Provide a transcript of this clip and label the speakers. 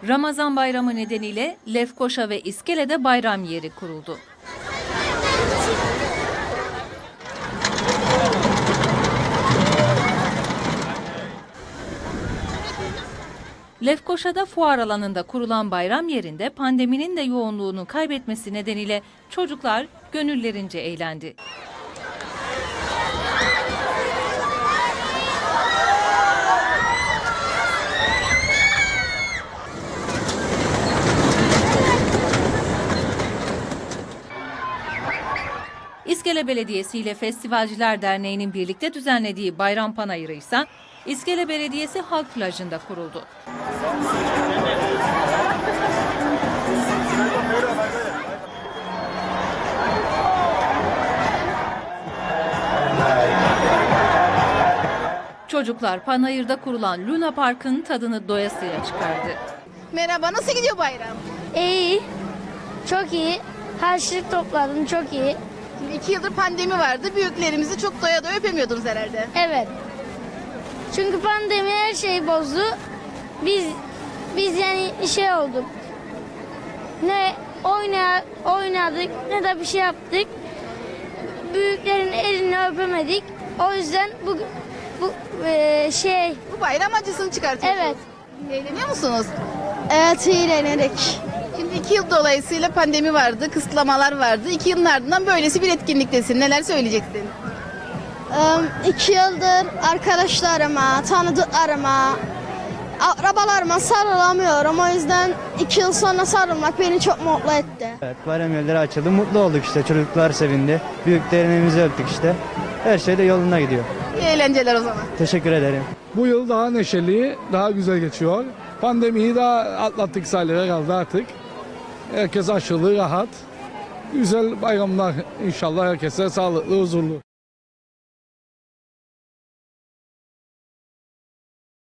Speaker 1: Ramazan bayramı nedeniyle Lefkoşa ve İskele'de bayram yeri kuruldu. Lefkoşa'da fuar alanında kurulan bayram yerinde pandeminin de yoğunluğunu kaybetmesi nedeniyle çocuklar gönüllerince eğlendi. İskele Belediyesi ile Festivalciler Derneği'nin birlikte düzenlediği Bayram Panayırı ise İskele Belediyesi Halk Plajı'nda kuruldu. Çocuklar panayırda kurulan Luna Park'ın tadını doyasıya çıkardı.
Speaker 2: Merhaba, nasıl gidiyor bayram?
Speaker 3: İyi, çok iyi. Harçlık topladım, çok iyi.
Speaker 2: Şimdi 2 yıldır pandemi vardı. Büyüklerimizi çok doya doya öpemiyordunuz herhalde.
Speaker 3: Evet. Çünkü pandemi her şeyi bozdu. Biz yani şey olduk. Ne oynadık ne de bir şey yaptık. Büyüklerin elini öpemedik. O yüzden bu
Speaker 2: Bu bayram acısını çıkartıyorsunuz.
Speaker 3: evet.
Speaker 2: Eğleniyor musunuz?
Speaker 4: Evet, eğlenerek.
Speaker 2: Şimdi 2 yıl dolayısıyla pandemi vardı, kısıtlamalar vardı. 2 yılın ardından böylesi bir etkinliktesin. Neler söyleyeceksin?
Speaker 4: 2 yıldır arkadaşlarıma, tanıdıklarıma, akrabalarıma sarılamıyorum. O yüzden 2 yıl sonra sarılmak beni çok mutlu etti.
Speaker 5: Evet, bayram yerleri açıldı. Mutlu olduk işte. Çocuklar sevindi. Büyüklerimizi öptük işte. Her şey de yolunda gidiyor.
Speaker 2: İyi eğlenceler o zaman.
Speaker 5: Teşekkür ederim.
Speaker 6: Bu yıl daha neşeli, daha güzel geçiyor. Pandemiyi daha atlattık sayılır herhalde artık. Herkes aşılı, rahat. Güzel bayramlar inşallah herkese sağlıklı, huzurlu.